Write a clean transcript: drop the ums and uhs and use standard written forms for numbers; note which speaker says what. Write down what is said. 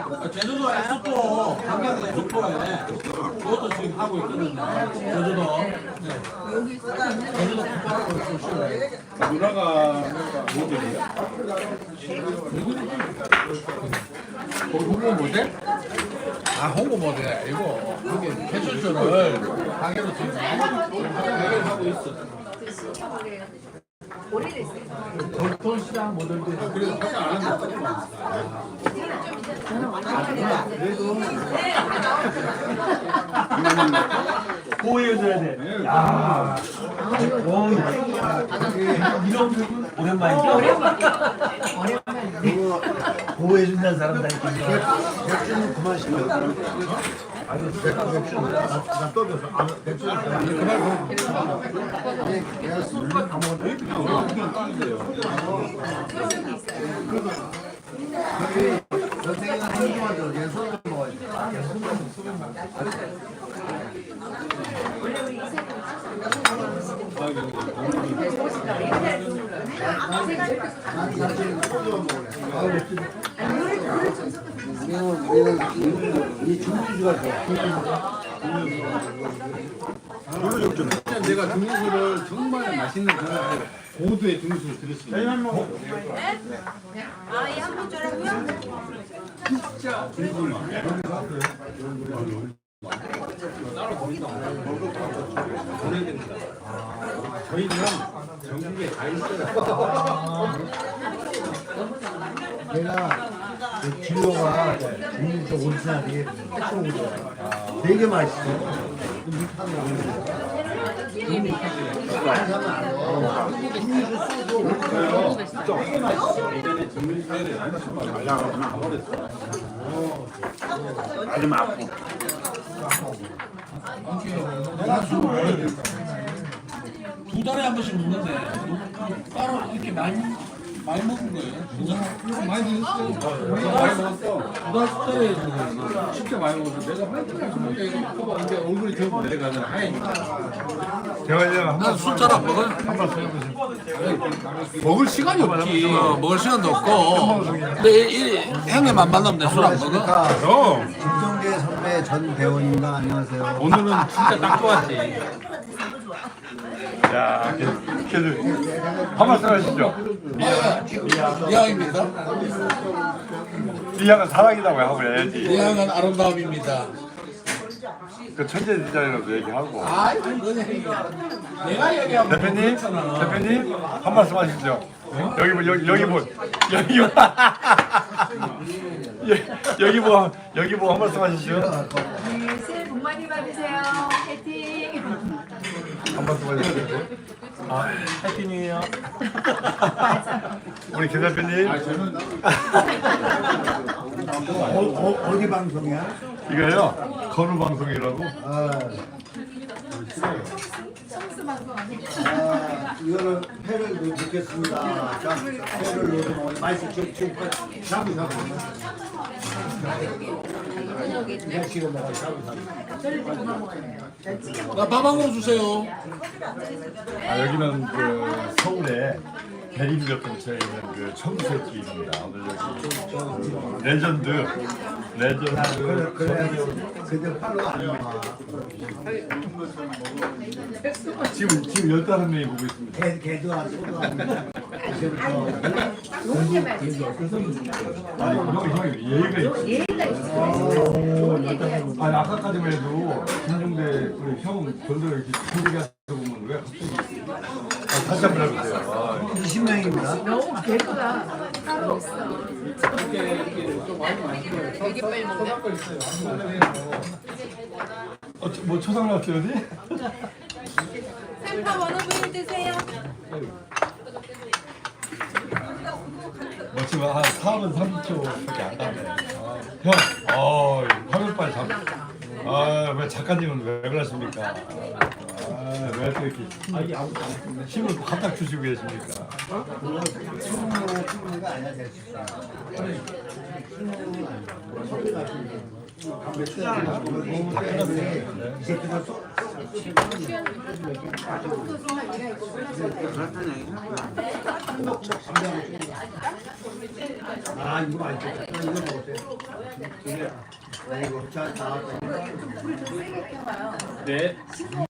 Speaker 1: 제주도 에스토 강경 에스토에 그것도 지금 하고 있거든요. 제주도. 네. 제주도 국가라고 있어요.
Speaker 2: 누나가 모델이야?
Speaker 1: 홍보 모델? 아 홍보 모델 이거 이게 패션쇼를 강의로 지금 강의를 하고 있어. 돌톤 시장 모델도 있어. 그래서 화장 안 한다.
Speaker 3: 보여줘야 돼. 야, 이런 오랜만이죠? 그거 보호해준다는 사람 다 있거든요.
Speaker 4: 백주는 그만 시켜. 선생님은 한동안 저렇게 손을 먹어야지. 이 중주가 좋아.
Speaker 2: 내가 중수를 정말 맛있는 그런 고도의 중수를 드렸습니다.
Speaker 5: 아, 예, 한번 줘라고요?
Speaker 2: 진짜 중수만. 따로 보내야 됩니다. 저희는 전국에 다 있어요.
Speaker 4: 내가 그 진로가 중주 온천하게 패션으로 좋아. 되게 맛있어.
Speaker 2: 아주 아프.
Speaker 1: 두 달에 한 번씩 먹는데 따로 이렇게 많이 먹은 거예요. 진짜
Speaker 2: 많이 드셨어요? 많이 먹었어. 고등학교 때 진짜 많이 먹었어. 내가 화이트를 먹으니까 이제 얼굴이 더 내려가는 하얘니까.
Speaker 1: 난술 잘 안 먹어요.
Speaker 2: 먹을 시간이 없지.
Speaker 1: 먹을 시간도 없고. 근데 형님 안 만나면 술 안 먹어?
Speaker 4: 김성재 선배 전 배우님과 안녕하세요.
Speaker 2: 오늘은 진짜 딱 좋았지.
Speaker 6: 야, 그래도 한 말씀 하시죠.
Speaker 1: 이왕입니다.
Speaker 6: 이양은 사랑이라고 하고 해야지.
Speaker 1: 이왕은 아름다움입니다.
Speaker 6: 그 천재 디자이너도 얘기하고.
Speaker 1: 아이, 그거는 내가 얘기하면
Speaker 6: 대표님, 대표님 한 말씀 하시죠. 여기 뭐 여기 뭐 여기 뭐 한 말씀 하시죠.
Speaker 5: 네, 새해 복 많이 받으세요. 화이팅!
Speaker 6: 한 말씀 하시죠.
Speaker 3: 해피뉴이요.
Speaker 6: 우리 김 대표님.
Speaker 4: 어디 방송이야?
Speaker 6: 이거요. 건우 방송이라고.
Speaker 4: 이거는 회를 넣겠습니다. 자, 회를 넣어서 먹으면 맛있어. 지금 샤브 샤브. 지금 먹어 샤브 샤브.
Speaker 1: 나 밥 한 그릇 주세요.
Speaker 6: 아, 여기는 그 서울에 대림역 근처에 있는 그 청수집입니다. 오늘 여기 레전드.
Speaker 4: 그래 근데 팔로 안 나와.
Speaker 6: 지금 15명이 보고 있습니다.
Speaker 4: 개도 안 소도 안.
Speaker 6: 아니, 형이 예의가 있지.
Speaker 5: 예의가 있어요.
Speaker 6: 아니, 아까까지만 해도 김종대 우리 형 건들 이렇게 소리가 하다 보면 왜 갑자기. 다시 한 번 해보세요.
Speaker 4: 20명입니다.
Speaker 5: 너무 개구나. 따로 없어. 되게 빨리 먹네.
Speaker 6: 뭐 초상 나왔어요, 어디?
Speaker 5: 샘파 원어분이 드세요.
Speaker 6: 뭐 지금 한 4분 30초밖에 안 가네. 형, 화면 빨리 잡. 왜 작가님은 왜 그러십니까? 왜 또 이렇게 힘을 갖다 주시고 계십니까?
Speaker 4: 충분히가 아니야 될 수 있어. 이 새끼가 아 이거 맛있겠다. 이거 먹었어요. 이게 아이고 자.
Speaker 2: 네.